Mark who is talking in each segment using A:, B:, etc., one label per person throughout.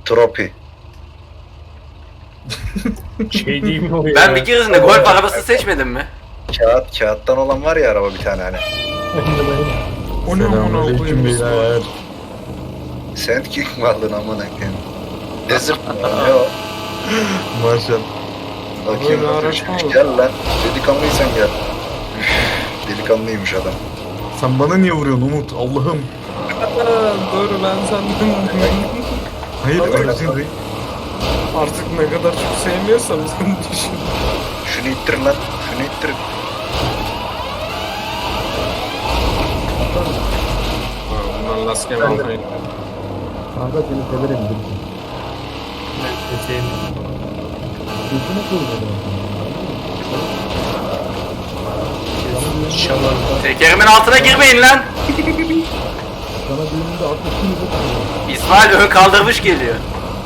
A: Tropi.
B: Şey değil mi o ya?
C: Ben bir keresinde golf arabası seçmedim mi?
A: Kağıttan olan var ya araba bir tane hani.
B: O ne amına
D: Selamünaleyküm
B: koyayım?
D: beyler.
A: Sand King mi aldın amına koyayım? Desert mı? Ne o?
D: Maşallah.
A: Bakayım
B: Böyle
A: bakayım.
B: araç mı olur?
A: Gel lan. Delikanlıysan gel. Delikanlıymış adam.
D: Sen bana niye vuruyorsun Umut? Allah'ım.
B: Dur ben senden
D: Hayır
A: Tabii.
D: aracın değil.
B: artık ne kadar çok sevmiyorsam sen düşün.
A: Şunu ittir lan. Şunu ittir.
B: Bundan laskem almayın.
E: Kanka seni severim bilirsin. Yüzüne koymadım.
C: Tekerimin altına girmeyin lan.
E: Sana düğününde 60 kilo koyuyorum.
C: İsmail ön kaldırmış geliyor.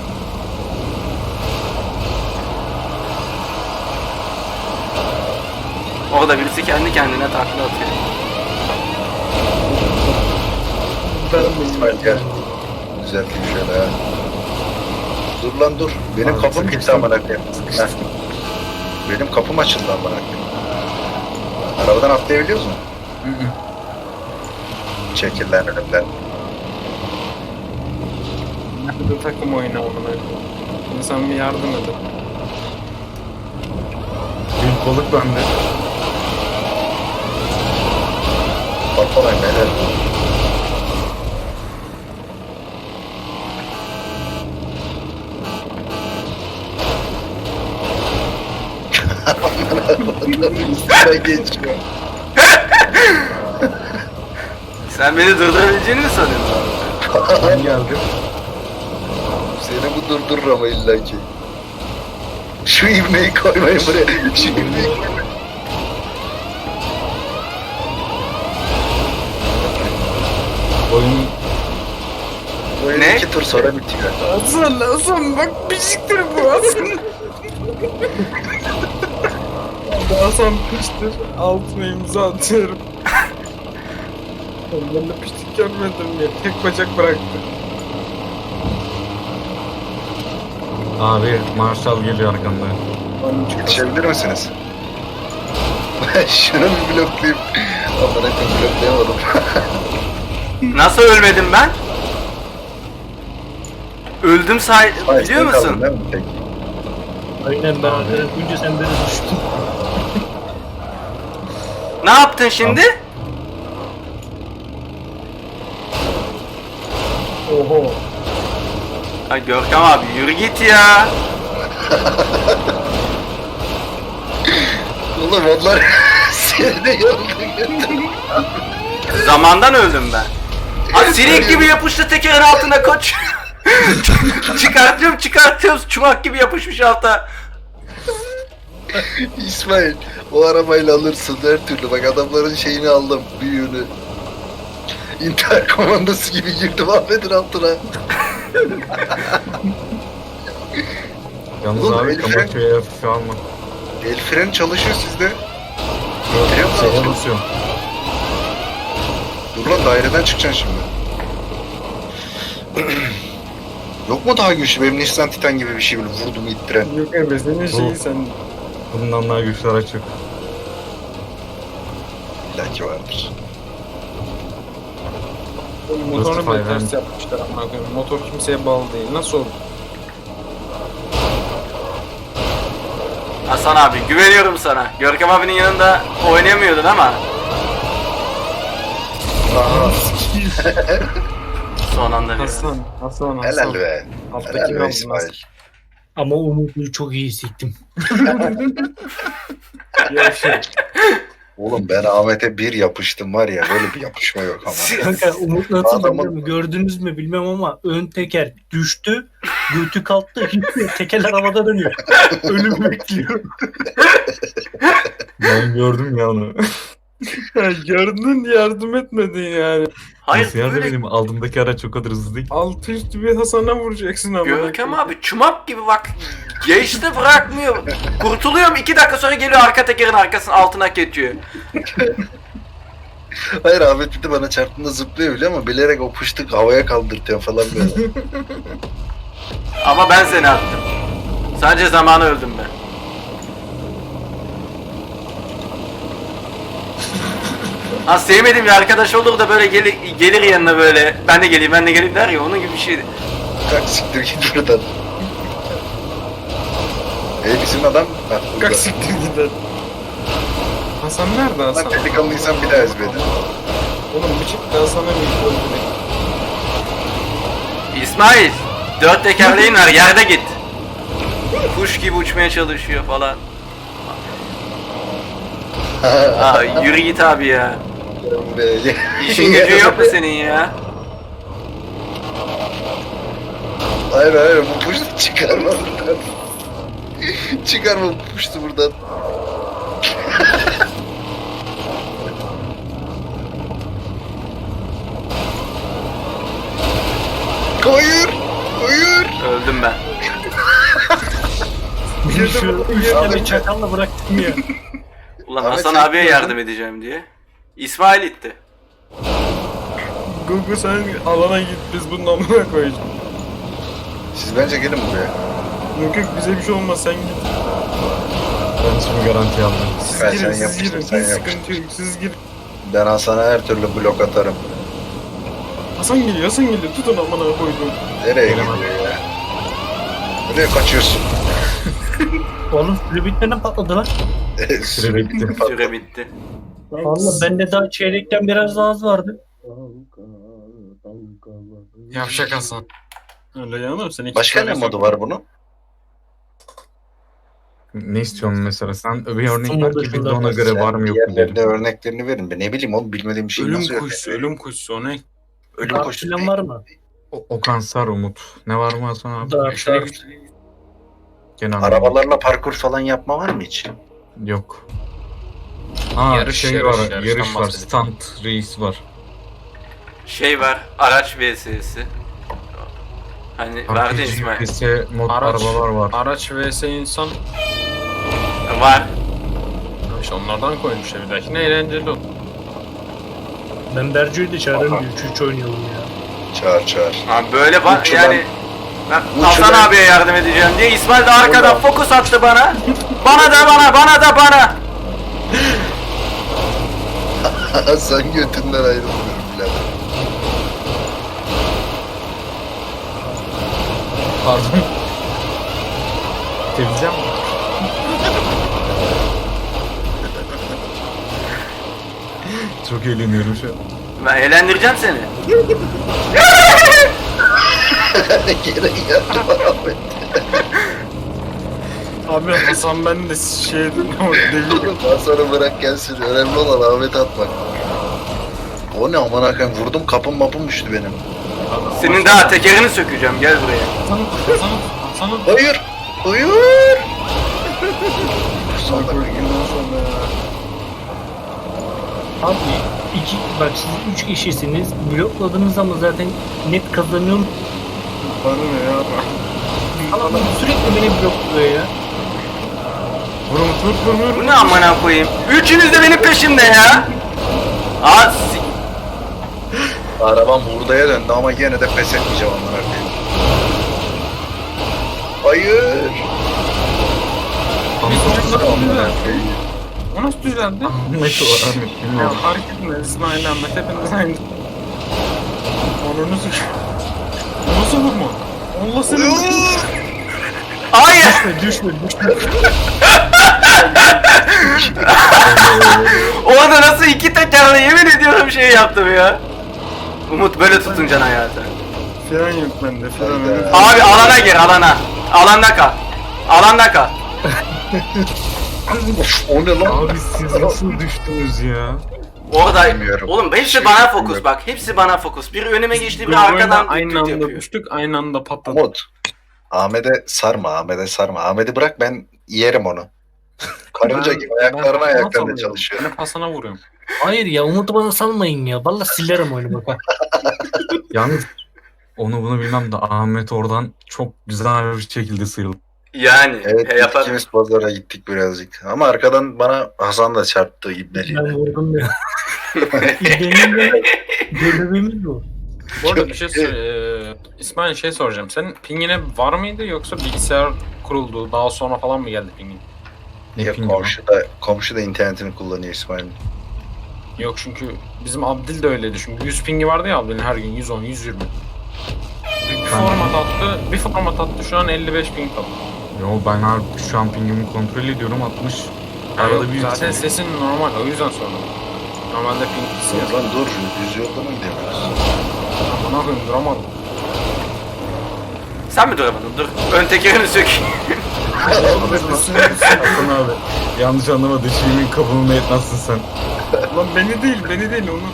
C: Orada birisi kendi kendine takla atıyor.
A: İsmail gel. Düzelteyim şöyle ha. Dur lan dur. Benim
D: Abi,
A: kapım gitti
D: sıkıştım.
A: amına koyayım. Heh. Benim kapım açıldı amına koyayım. Arabadan atlayabiliyoruz mu? Çekil lan önümden.
B: Nerede takım oyunu amına koyayım? İnsan bir yardım edin.
D: Büyük balık bende.
A: Patlamayın beyler. Üstüne geçiyor.
C: Sen beni durdurabileceğini mi sanıyorsun?
D: Ben geldim.
A: Seni bu durdurur ama illa ki. Şu ivmeyi koymayın buraya. Şu ivmeyi koymayın.
D: Oyun
A: Oyun
C: Ne?
A: 2 tur sonra bitiyor.
B: Hasan bak pişiktir bu Hasan. Hasan piştir. Altına imza atıyorum. Ben de piştik görmedim ya. Tek bacak bıraktı.
D: abi Marshall geliyor arkamda.
A: Yetişebilir misiniz? Ben şunu bir bloklayayım. Ama ben bloklayamadım.
C: Nasıl ölmedim ben? Öldüm
A: Hayır,
C: biliyor
A: sen kaldın
C: musun?
A: değil mi? Peki.
F: Aynen ben arkadan önce sen beni düştün.
C: Ne yaptın şimdi?
B: Oho.
C: Ay Görkem abi yürü git ya.
A: Oğlum onlar seni de yoruldu.
C: Zamandan öldüm ben. Ha sinek gibi yapıştı tekerin altına koç. çıkartıyorum çumak gibi yapışmış alta.
A: İsmail o arabayla alırsın her türlü. Bak adamların şeyini aldım. Büyüğünü. İntihar komandosu gibi girdim Ahmet'in altına.
D: Yalnız
A: Oğlum,
D: abi
A: Elif'e-
D: Kamaköy'e hafife alma.
A: El freni çalışıyor sizde.
D: Şeye basıyorum.
A: Dur lan daireden çıkacaksın şimdi. Yok mu daha güçlü? Benim Nissan Titan gibi bir şey böyle vurdum ittiren.
B: Yok abi senin şeyi sen.
D: Bundan daha güçlü araç yok.
A: İlla ki vardır.
B: Motorunu
D: Mustafa
B: bile ters
D: Efendi.
B: yapmışlar amına koyayım. Motor kimseye bağlı değil. Nasıl oldu?
C: Hasan abi güveniyorum sana. Görkem abinin yanında oynayamıyordun ama.
A: Aha.
C: Son anda bir.
B: Hasan.
A: Helal be.
B: Alttaki
A: Helal
B: ne
A: be
B: aldın
A: İsmail.
F: Ama Umut'u çok iyi siktim.
B: Yavşak.
A: Oğlum ben Ahmet'e bir yapıştım var ya böyle bir yapışma yok ama.
F: Kanka Umut nasıl
A: Adamın-
F: biliyor mu? Gördünüz mü bilmem ama ön teker düştü. Götü kalktı. Tekerler havada dönüyor. Ölüm bekliyor.
D: Ben gördüm ya onu.
B: Gördün yardım etmedin yani.
C: Hayır
D: Nasıl yardım
C: böyle
D: edeyim? Aldığımdaki araç çok kadar hızlı değil.
B: Altı üstü bir Hasan'a vuracaksın ama.
C: Görkem abi çumak gibi bak. Geçti bırakmıyor. Kurtuluyorum 2 dakika sonra geliyor arka tekerin arkasının altına geçiyor.
A: Hayır Ahmet bir de bana çarptığında zıplıyor bile ama bilerek o pıştık havaya kaldırtıyor falan böyle.
C: Ama ben seni attım. Sadece zamanı öldüm ben. Ha sevmediğim bir arkadaş olur da böyle gelir yanına böyle ben de geleyim der ya, onun gibi bir şeydi.
A: Kalk siktir git buradan. Bizim adam... Ha, burada.
B: Kalk siktir gider. Hasan nerede
A: Lan
B: Hasan?
A: delikanlıysan bir daha ezbedin.
B: Oğlum bir çık da Hasan'a bir öldürek.
C: İsmail, 4 tekerleğin var, yerde git. Kuş gibi uçmaya çalışıyor falan. Aa, yürü git abi ya. İşin gücün yok mu senin ya?
A: Hayır bu puştu çıkarma buradan. Çıkarma bu puştu buradan. Hayır.
C: Öldüm ben.
F: Şu bir çakalla bıraktım ya.
C: Ulan
A: Ahmet,
C: Hasan
A: sen
C: abiye
A: kimdin?
C: yardım edeceğim diye. İsmail itti.
B: Gugu sen alana git, biz bunun amına koyacağız.
A: Siz bence gelin buraya.
B: Yok bize bir şey olmaz, sen git.
D: Ben şimdi garanti aldım.
B: Siz
A: Ben
B: girin,
A: sen
B: siz girin.
A: yapıştır, sen
B: Hiç sıkıntı yok, siz girin.
A: Ben Hasan'a her türlü blok atarım.
B: Hasan geliyor, tutun amına koydum.
A: Nereye gidiyor ya? Nereye kaçıyorsun?
F: Oğlum süre bitmeden patladı lan.
D: Süre bitti.
C: Süre bitti.
F: Valla bende daha çeyrekten biraz daha az vardı.
B: Yavşak Hasan. Öyle yanım sen iki
A: Başka ne
B: tane
A: modu var bunun?
D: Ne istiyorsun mesela? Sen bir örnek
F: Son
D: ver
F: modu
D: ki biz de
F: şurada.
D: ona göre var mı yok mu
A: Diğerlerine
D: derim.
A: örneklerini verin. Ben ne bileyim oğlum, bilmediğim bir şey nasıl
B: Ölüm kuşusu o ne?
A: Ölüm
F: Dark
A: koşusu.
F: falan var mı?
D: Okan Sar Umut. Ne var mı Hasan abi?
F: Dark.
D: Gene
A: Arabalarla parkur falan yapma var mı hiç?
D: Yok. Ha
B: Yarış,
D: şey
B: yarış,
D: var,
B: yarıştan
D: yarış var,
B: bahsedelim.
D: stunt reis var.
C: Şey var, araç vs'si. Hani vardı ya İsmail.
D: RPG mod
B: Araç.
D: arabalar var.
B: Araç vs insan.
C: Var.
B: İşte onlardan koymuş bir dahaki. Ne eğlenceli o.
F: Ben Berco'yu da çağırırım
A: Aha.
F: diyor. 3 oynayalım ya.
A: Çağır.
C: Ha böyle var
A: Uçulan-
C: yani. Ben Hasan
A: uçulan-
C: abiye yardım edeceğim diye İsmail de arkadan fokus attı bana. Bana da bana.
A: Sen götünden ayrılmıyorum birader.
D: Pardon. Temizlem mi? Çok eğleniyorum şu an.
C: Ben eğlendireceğim seni.
A: Geri geldim Ahmet.
B: Abi Hasan ben de şey deli.
A: Oğlum Hasan'ı bırak gelsin. Önemli olan Ahmet atmak. O ne aman hakem, vurdum kapım mapım düştü benim.
C: Senin daha tekerini sökeceğim, gel buraya.
B: Hasan'ın
A: Hayır. Sonra
F: Abi bak siz 3 kişisiniz. Blokladınız ama zaten net kazanıyorum.
B: bana ne ya?
F: Ama sürekli beni blokluyor ya.
B: Vur.
C: Bu ne amına koyayım? Üçünüz de benim peşimde ya. Aa,
A: arabam hurdaya döndü ama yine de pes etmeyeceğim ondan artık. Hayır.
B: O nasıl düzeldi?
D: Ahmet o Ahmet
B: Ya
D: bilmiyorum.
B: fark etmez İsmail Ahmet hepiniz aynı. Onunu sür. O nasıl vurma? Allah seni.
C: hayır.
F: Düşme.
C: Orada nasıl iki tekerle yemin ediyorum şey yaptım ya. Umut böyle tutuncan hayatı.
B: Fren yok bende. Fren
A: Hayda.
B: yok.
C: Abi alana gir alana. Alanda kal.
A: Of, o ne lan?
D: Abi siz nasıl düştünüz ya?
C: Orada
A: Bilmiyorum.
C: oğlum hepsi
A: Şey
C: bana
A: bilmiyorum.
C: fokus bak. Hepsi bana fokus. Biri önüme geçti, biri
B: Bu oyunda
C: arkadan
B: aynı
C: tüt
B: anda
C: yapıyor.
B: düştük, aynı anda patladı.
A: Umut. Ahmet'e sarma. Ahmet'i bırak, ben yerim onu. Karınca gibi ayaklarına
B: Hasan'a
A: çalışıyor.
B: Ben hep Hasan'a vuruyorum.
F: Hayır ya Umut'u bana salmayın ya. Vallahi silerim oyunu bak.
D: Yalnız onu bunu bilmem de Ahmet oradan çok güzel bir şekilde sıyrıldı.
C: Yani
A: Evet,
C: yapar.
A: ikimiz pazara gittik birazcık. Ama arkadan bana Hasan da çarptı
F: Ben
A: ibneliğine.
F: vurdum ya. Benim de görevimiz bu.
B: Bu arada bir şey söyle. İsmail şey soracağım. Senin pingine var mıydı yoksa bilgisayar kuruldu daha sonra falan mı geldi pingin?
D: Ne
A: Ya
D: pingi lan?
A: komşu da internetini kullanıyor İsmail'in.
B: Yok çünkü bizim Abdil de öyleydi. Çünkü 100 pingi vardı ya Abdil'in her gün 110, 120. Bir format attı şu an 55 ping kaldı.
D: Yo ben abi şu an pingimi kontrol ediyorum 60. Arada bir
B: Zaten sesin normal o yüzden sordum. Normalde ping
A: Ya lan dur, düz yolda mı gidemiyoruz?
B: Bana koyayım duramadım.
C: Sen mi duramadın? Dur. Ön tekerini sök.
D: Hasan abi yanlış anlama dışımın kapımı etmezsin sen.
B: Lan beni değil onu.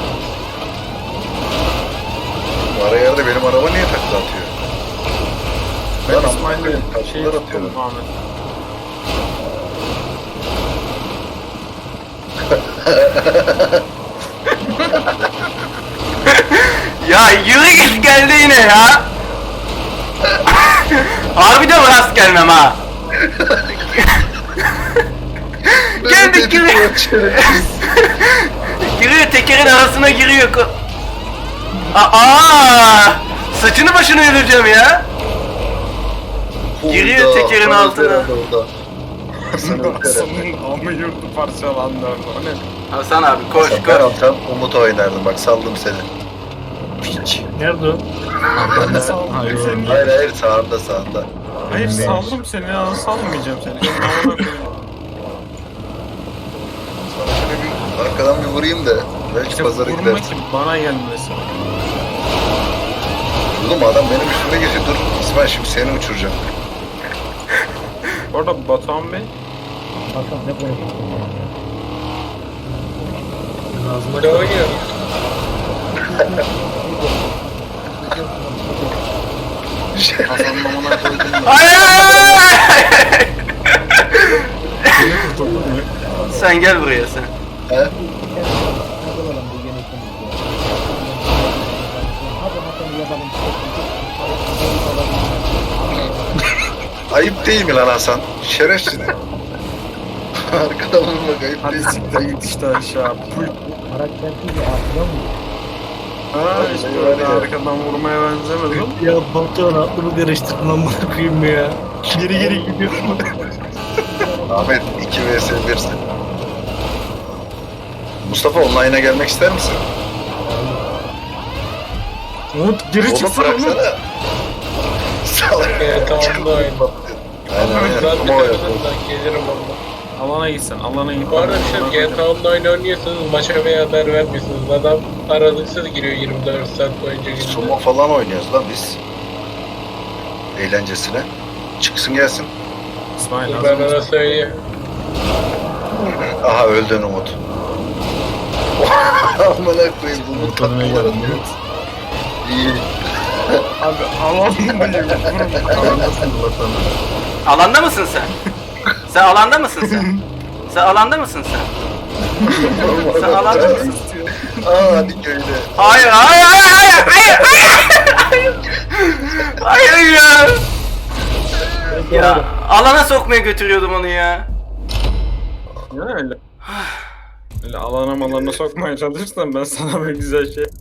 A: Ara yerde benim araba niye takla atıyor?
B: Ben
A: Lan
B: İsmail'le
A: ama
B: şey
A: kapılar
B: tuttum
A: atıyorum.
B: Ahmet.
C: Ya yürü git geldi yine ya. Harbiden rast gelmem ha. Geldik giriyor. Giriyor tekerin arasına giriyor. Aa! Saçını başını yürüyeceğim ya. Giriyor tekerin altına.
B: Hasan'ın amı yurdu parçalandı orada. O ne?
C: Hasan abi koş
A: Ben
C: koş.
A: olsam Umut oynardım, bak saldım seni.
F: Nerede o?
B: Ben de saldım
D: Hayır,
B: seni.
A: Hayır sağında.
B: Hayır
D: Elimdeymiş.
B: saldım seni ya salmayacağım seni. Senin amına koyayım.
A: Sana şöyle bir arkadan bir vurayım da belki
B: İşte
A: pazara
B: vurma
A: gidersin.
B: ki bana gelmesin.
A: Oğlum adam benim üstüme geçiyor. Dur İsmail, şimdi seni uçuracağım.
B: Bu arada Batuhan Bey
E: Hasan ne konuşuyorsun ya?
F: Ağzıma
G: Ne oynuyor?
B: Hasan'ın amına koydum da.
C: Hayır!
D: Seni kurtuldun mu?
C: Sen gel buraya sen.
A: He? Ayıp değil mi lan Hasan? Şerefsiz. Arkadan vurmak ayıp
B: Hadi
A: değil.
B: siktir git işte aşağı. Puy.
E: Karaktersiz bir aklına mı?
B: Ha işte öyle arkadan vurmaya benzemez o.
F: Ya Batuhan aklımı karıştırdın amına koyayım ya. Geri gidiyorum.
A: Ahmet 2 vs 1'sin. Mustafa online'a gelmek ister misin?
B: Umut geri
A: Oğlum
B: çıksana Umut.
A: bıraksana. Salak.
G: Tamam da oyun.
A: Aynen
G: Ben
A: aynen.
G: de
A: Ama o yok.
G: gelirim valla.
B: Alana gitsen alana git.
G: Bu arada bir şey GTA Online oynuyorsanız maça bir haber vermiyorsunuz. Adam aralıksız giriyor 24 saat boyunca giriyor.
A: Sumo falan oynuyoruz lan biz. Eğlencesine. Çıksın gelsin.
B: İsmail
G: Ben
B: hazır mısın?
G: ona söyleyeyim.
A: Aha öldün Umut. Amına koyayım bu Umut
D: Tanıma
A: tatlılar
D: geldim.
A: atıyor. İyi.
B: Abi alandayım.
D: Nasıl bakalım?
C: Alanda mısın sen? Sen alanda mısın sen? Sen alanda mısın sen? Sen alanda mısın?
A: Aa hadi köyde.
C: Hayır hayır hayır hayır hayır hayır hayır ya. Ya alana sokmaya götürüyordum onu ya.
B: Ya öyle. Öyle alana malana sokmaya çalışırsan ben sana bir güzel şey.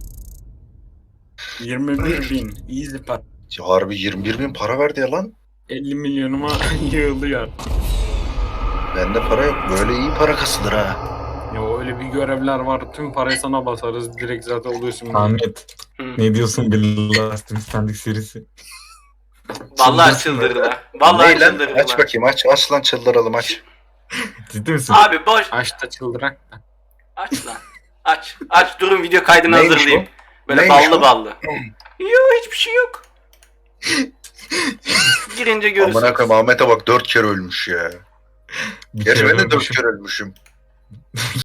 B: 21.000 easy part.
A: Ya harbi 21.000 para verdi ya lan.
B: 50 milyonuma yığılıyor.
A: Bende para yok. Böyle iyi para kasılır ha.
B: Ya öyle bir görevler var. Tüm parayı sana basarız. Direkt zaten oluyorsun.
D: Ahmet
C: Hı.
D: ne diyorsun bir Last Standing serisi?
C: Vallahi çıldırdılar. Vallahi
A: Ney lan?
C: çıldırdılar.
A: Aç bakayım aç lan çıldıralım aç.
D: Ciddi misin?
C: Abi boş.
B: Açta çıldırak da.
C: Aç lan. Aç. Aç durun video kaydını
A: Neymiş
C: hazırlayayım. Böyle
A: Neymiş
C: ballı
A: o?
C: ballı. Yok hiçbir şey yok. Girince görürsün.
A: Amına koyayım Ahmet'e bak 4 kere ölmüş ya.
D: Bir
A: Gerçi
D: kere
A: ben de 4
D: ölmüşüm.
A: kere ölmüşüm.